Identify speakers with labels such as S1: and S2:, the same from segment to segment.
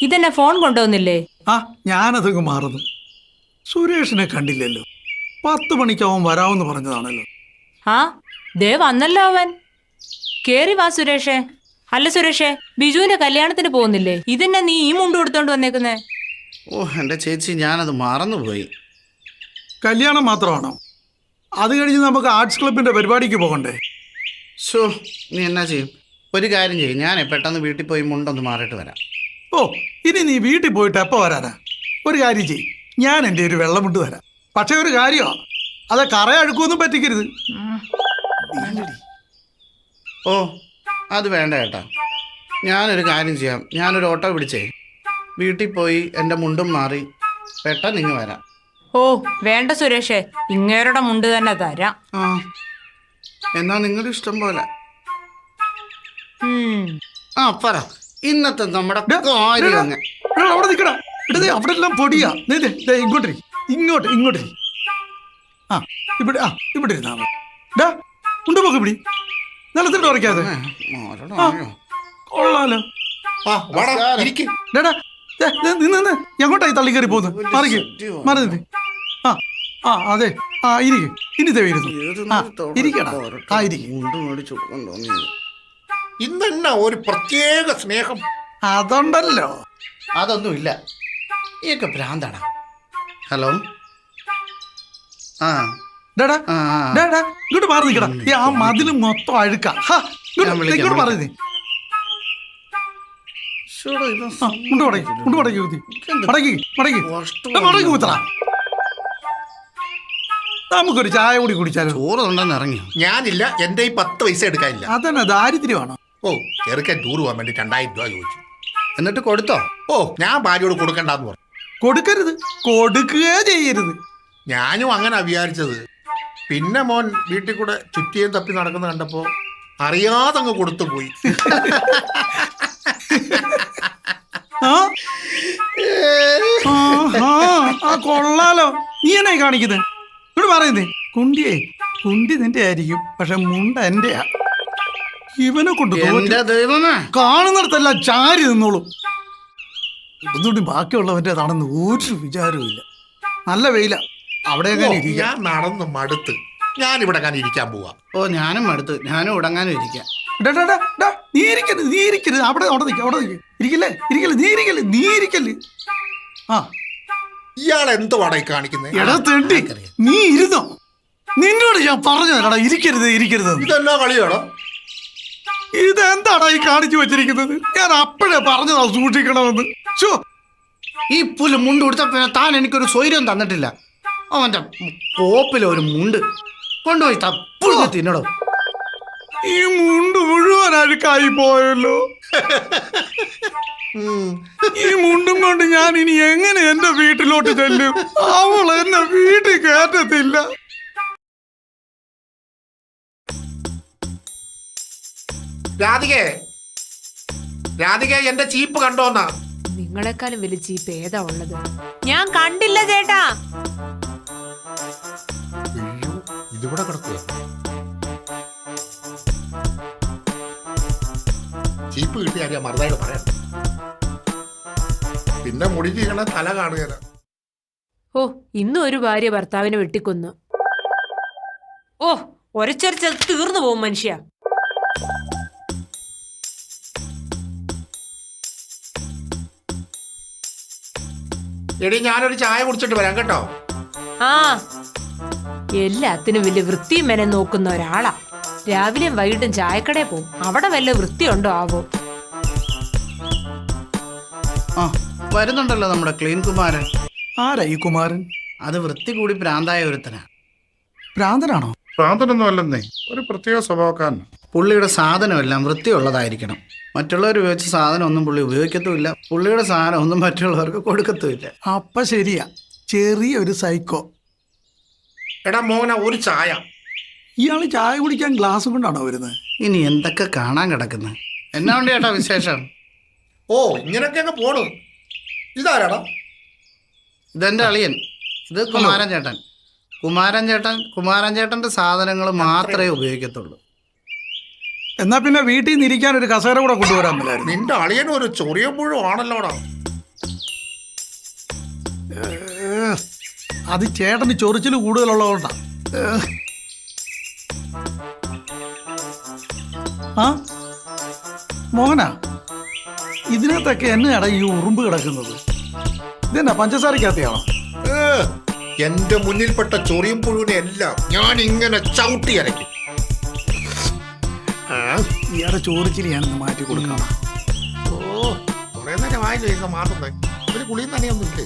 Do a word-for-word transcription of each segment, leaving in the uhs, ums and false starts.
S1: ഇതെന്നെ ഫോൺ കൊണ്ടുവന്നില്ലേ?
S2: ആ ഞാനതങ്ങ് മാറുന്നു. സുരേഷിനെ കണ്ടില്ലല്ലോ. പത്ത് മണിക്ക് അവൻ വരാമെന്ന് പറഞ്ഞതാണല്ലോ.
S1: ആ ദേ വന്നല്ലോ അവൻ. കേറി വാ സുരേഷേ. അല്ല സുരേഷേ, ബിജുവിന്റെ കല്യാണത്തിന് പോകുന്നില്ലേ? ഇതെന്നെ നീ ഈ മുണ്ട് കൊടുത്തോണ്ട് വന്നേക്കുന്നേ?
S3: ഓ എൻ്റെ ചേച്ചി, ഞാനത് മറന്നുപോയി.
S2: കല്യാണം മാത്രമാണോ? അത് കഴിഞ്ഞ് നമുക്ക് ആർട്സ് ക്ലബിന്റെ പരിപാടിക്ക് പോകണ്ടേ?
S3: ഷോ, നീ എന്നാ ചെയ്യും? ഒരു കാര്യം ചെയ്യും, ഞാൻ പെട്ടെന്ന് വീട്ടിൽ പോയി മുണ്ടൊന്ന് മാറിയിട്ട് വരാം.
S2: ഓ, ഇനി നീ വീട്ടിൽ പോയിട്ട് എപ്പോൾ വരാനാ? ഒരു കാര്യം ചെയ്യും, ഞാൻ എൻ്റെ ഒരു വെള്ളമുണ്ട് തരാം. പക്ഷെ ഒരു കാര്യമാണ്, അത് കറയഴുക്കൊന്നും പറ്റിക്കരുത്.
S3: ഓ, അത് വേണ്ട ചേട്ടാ. ഞാനൊരു കാര്യം ചെയ്യാം, ഞാനൊരു ഓട്ടോ പിടിച്ചേ വീട്ടിൽ പോയി എൻ്റെ മുണ്ടും മാറി പെട്ടെന്ന് ഇങ്ങ് വരാം.
S1: ഓ വേണ്ട സുരേഷേ, ഇങ്ങേരുടെ മുണ്ട് തന്നെ തരാം.
S3: ആ, എന്നാ നിങ്ങളുടെ ഇഷ്ടം പോലെ.
S1: ഉം.
S3: ആ പറ, ഇന്നത്തെ നമ്മുടെ കാര്യം അങ്ങ്.
S2: എടാ, അവിടെ നിൽക്കടാ. ഇടതേ അവിടെ എല്ലാം പൊടിയാ. ദേ, ദേ, ദേ, ഇങ്ങോട്ട് ഇരി. ഇങ്ങോട്ട് ഇങ്ങോട്ട് ഇരി. ആ ഇവിടെ ആ ഇവിടെ ഇരുന്നാ മതി. ഡാ ഉണ്ട് പോക്ക് പിടി. നിലത്തിട്ട് ഉറക്കാതെ. കൊള്ളാലോ. ഡാടാ നിന്ന് നിന്ന് എങ്ങോട്ടായി തള്ളി കയറി പോകുന്നു? മറിക്ക് മറി നിന്ന്. ആ ആ അതെ ആ ഇരിക്കും. ഇനി തേവിരുന്നു. ആ ഇരിക്കടാ. ആ ഇരിക്കും.
S4: ഇന്നെന്നാ ഒരു പ്രത്യേക സ്നേഹം?
S2: അതുണ്ടല്ലോ.
S3: അതൊന്നുമില്ല, ഈയൊക്കെ ഭ്രാന്താടാ. ഹലോ. ആ
S2: ഡാടാ
S3: ആ
S2: ഡാടാ ഇങ്ങോട്ട് മാറി നിൽക്കടാ. ഈ ആ മതില് മൊത്തം അഴുക്ക. ഇങ്ങോട്ട് മാറി നീ. മുണ്ട് മടക്കി മുണ്ട് മടക്കി കുത്തി മടക്കി മടക്കി മടക്കി കുത്തറ. നമുക്കൊരു ചായ കൂടി കുടിച്ചാലോ?
S3: ചോറ് ഉണ്ടെന്ന് ഇറങ്ങി.
S4: ഞാനില്ല, എന്റെ ഈ പത്ത് പൈസ എടുക്കാനില്ല.
S2: അതന്നെ ദാരിദ്ര്യമാണോ?
S4: ഓ, ചെറുക്കൻ ടൂർ പോകാൻ വേണ്ടി രണ്ടായിരം രൂപ ചോദിച്ചു.
S3: എന്നിട്ട് കൊടുത്തോ?
S4: ഓ, ഞാൻ ഭാര്യയോട് കൊടുക്കണ്ടെന്ന് പറഞ്ഞു.
S2: കൊടുക്കരുത്, കൊടുക്കുകയേ ചെയ്യരുത്.
S4: ഞാനും അങ്ങനെ വിചാരിച്ചത്. പിന്നെ മോൻ വീട്ടിൽ കൂടെ ചുറ്റിയും തപ്പി നടക്കുന്ന കണ്ടപ്പോ അറിയാതെ അങ്ങ് കൊടുത്തു പോയി.
S2: കൊള്ളാലോ. നീ എന്നായി കാണിക്കുന്നത്? ഇവിടെ പറയുന്നേ കുണ്ടിയേ കുണ്ടി നിന്റെ ആയിരിക്കും, പക്ഷെ മുണ്ട എന്റെയാ. ഇവനെ കൊണ്ട് കാണുന്നിടത്തെല്ലാം ചാരി നിന്നോളൂ. ഒന്നുകൂടി ബാക്കിയുള്ളവൻ്റെതാണെന്ന് ഒരു വിചാരവും ഇല്ല. നല്ല വെയില. അവിടെ
S4: ഞാൻ നടന്ന് മടുത്ത് ഞാനിവിടെ ഞാൻ ഇരിക്കാൻ പോവാ.
S3: ഓ, ഞാനും മടുത്ത്, ഞാനും ഉടങ്ങാനും ഇരിക്കാം.
S2: നീ ഇരിക്കരുത്, നീ ഇരിക്കരുത്. അവിടെ അവിടെ നിൽക്കുക, അവിടെ നിൽക്കുക. ഇരിക്കല്ലേ ഇരിക്കല്ലേ നീ ഇരിക്കല്ലേ നീ ഇരിക്കല്ലേ. ആ
S4: ഇയാൾ എന്തുവാടാ ഈ കാണിക്കുന്നത്?
S2: എടാ തെണ്ടി, നീ ഇരുന്നോ? നിന്നോട് ഞാൻ പറഞ്ഞു തരാടാ ഇരിക്കരുത് ഇരിക്കരുത്.
S4: ഇതെന്നാ കളിയാണോ?
S2: ഇതെന്താടാ ഈ കാണിച്ചു വെച്ചിരിക്കുന്നത്? ഞാൻ അപ്പോഴേ പറഞ്ഞതാ സൂക്ഷിക്കണമെന്ന്.
S3: ഈ പുല്ല് മുണ്ട് കൊടുത്ത താൻ എനിക്കൊരു സ്വൈര്യം തന്നിട്ടില്ല. അവന്റെ കോപ്പിലെ ഒരു മുണ്ട് കൊണ്ടുപോയി തപ്പുഴ തിന്നടോ.
S2: ഈ മുണ്ട് മുഴുവൻ അഴുക്കായി പോയല്ലോ. ഈ മുണ്ടും കൊണ്ട് ഞാൻ ഇനി എങ്ങനെ എന്റെ വീട്ടിലോട്ട് ചെല്ലും? അവൾ എന്നെ വീട്ടിൽ കയറ്റത്തില്ല.
S4: രാധികേ, രാധികേ, എന്റെ ചീപ്പ് കണ്ടോന്നാ?
S1: നിങ്ങളെക്കാളും വലിയ ചീപ്പ് ഏതാ ഉള്ളത്? ഞാൻ കണ്ടില്ല ചേട്ടാ.
S4: ഇതിവിടെ കിടക്കുക. ചീപ്പ് കിട്ടിയ അറിയാം, മറുതായിട്ട് പറയാം. പിന്നെ മുടി ചെയ്യണ തല കാണുകയാണ്.
S1: ഓ, ഇന്നും ഒരു ഭാര്യ ഭർത്താവിനെ വെട്ടിക്കൊന്നു. ഓ, ഒരച്ചൊരച്ചത് തീർന്നു പോകും മനുഷ്യ.
S4: എടി, ഞാനൊരു ചായ കുടിച്ചിട്ട് വരാം കേട്ടോ.
S1: ആ, എല്ലാത്തിനും വലിയ വൃത്തിയും മെനം നോക്കുന്ന ഒരാളാ. രാവിലെയും വൈകിട്ടും ചായക്കടയിൽ പോവും. അവിടെ വല്ല വൃത്തിയുണ്ടോ ആവോ?
S3: ആ, വരുന്നുണ്ടല്ലോ നമ്മുടെ ക്ലീൻ കുമാരൻ.
S2: ആരാ ഈ കുമാരൻ?
S3: അത് വൃത്തി കൂടി ഭ്രാന്തായ ഒരുത്തനാ.
S2: ഭ്രാന്തനാണോ?
S4: ഭ്രാന്തനൊന്നും അല്ലെന്നേ, ഒരു പ്രത്യേക സ്വഭാവക്കാരൻ.
S3: പുള്ളിയുടെ സാധനമെല്ലാം വൃത്തിയുള്ളതായിരിക്കണം. മറ്റുള്ളവർ ഉപയോഗിച്ച സാധനം ഒന്നും പുള്ളി ഉപയോഗിക്കത്തുമില്ല. പുള്ളിയുടെ സാധനം ഒന്നും മറ്റുള്ളവർക്ക് കൊടുക്കത്തുമില്ല.
S2: അപ്പൊ ശരിയാ, ചെറിയൊരു സൈക്കോ.
S4: എടാ മോന, ഒരു ചായ.
S2: ഇയാള് ചായ കുടിക്കാൻ ഗ്ലാസ് കൊണ്ടാണോ വരുന്നത്?
S3: ഇനി എന്തൊക്കെ കാണാൻ കിടക്കുന്നത്. എന്നാ ഉണ്ട് ചേട്ടാ വിശേഷം?
S4: ഓ, ഇങ്ങനൊക്കെ അങ്ങ് പോണു. ഇതാരാടാ?
S3: ഇതെന്റെ അളിയൻ. ഇത് കുമാരൻ ചേട്ടൻ. കുമാരൻ ചേട്ടൻ കുമാരൻ ചേട്ടന്റെ സാധനങ്ങൾ മാത്രമേ ഉപയോഗിക്കത്തുള്ളൂ.
S2: എന്നാ പിന്നെ വീട്ടിൽ നിന്ന് ഇരിക്കാൻ ഒരു കസേര കൂടെ കൊണ്ടുവരാൻ പറ്റില്ലായിരുന്നു?
S4: നിന്റെ അളിയനും ഒരു ചൊറിയ പുഴു ആണല്ലോടാ.
S2: അത് ചേട്ടന് ചൊറിച്ചിൽ കൂടുതലുള്ളതുകൊണ്ടാ. ഏ. ആ മോഹനാ, ഇതിനകത്തൊക്കെ എന്നടാ ഈ ഉറുമ്പ് കിടക്കുന്നത്? ഇതെന്നാ പഞ്ചസാരക്കകത്തെയാണോ?
S4: ഏ, എന്റെ മുന്നിൽപ്പെട്ട ചൊറിയും പുഴുവിനെ എല്ലാം ഞാൻ ഇങ്ങനെ ചവിട്ടി അരയ്ക്കും. ആ,
S2: ഇയാടെ ചോറിച്ചിരി ഞാനൊന്ന് മാറ്റി കൊടുക്കണം.
S4: ഓ കുറെ നേരം വായില്ല ഇരുന്ന് മാറുന്നേ. ഒരു കുളിയും തന്നെയൊന്നും ഇല്ലേ?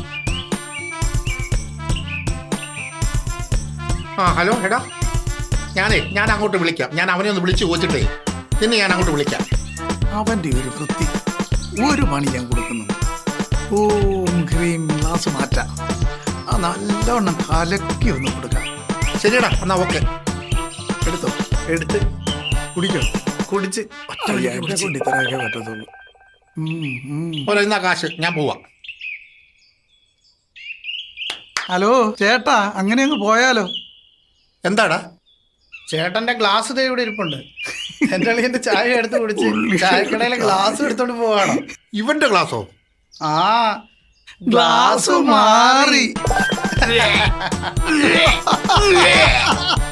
S4: ആ ഹലോ എടാ, ഞാനേ ഞാൻ അങ്ങോട്ട് വിളിക്കാം. ഞാൻ അവനെ ഒന്ന് വിളിച്ചു ചോദിച്ചിട്ടേ പിന്നെ ഞാൻ അങ്ങോട്ട് വിളിക്കാം.
S2: അവന്റെ ഒരു വൃത്തി, ഒരു പണി ഞാൻ കൊടുക്കുന്നുണ്ട്. ഓം ക്രീം ഗ്ലാസ് മാറ്റാം. ആ നല്ലവണ്ണം കലക്കി ഒന്ന് കൊടുക്കാം.
S4: ശരിയടാ, എന്നാ ഓക്കെ.
S2: എടുത്തോ, എടുത്ത് കുടിക്കോ.
S3: കുടിച്ച്
S2: കൊണ്ട് ഇത്രയൊക്കെ പറ്റത്തുള്ളൂ. ഉം, ഉം.
S4: ഓരോ ഇന്നാ കാശ്, ഞാൻ പോവാം.
S2: ഹലോ ചേട്ടാ, അങ്ങനെ അങ്ങ് പോയാലോ?
S4: എന്താടാ?
S3: ചേട്ടന്റെ ഗ്ലാസ് ദേ ഇവിടെ ഇരിപ്പുണ്ട്. എന്റെ അളിയന്റെ ചായ എടുത്ത് കുടിച്ച് ചായക്കടയിലെ ഗ്ലാസ് എടുത്തോണ്ട് പോവാണോ?
S4: ഇവന്റെ ഗ്ലാസോ?
S3: ആ
S2: ഗ്ലാസ് മാറി.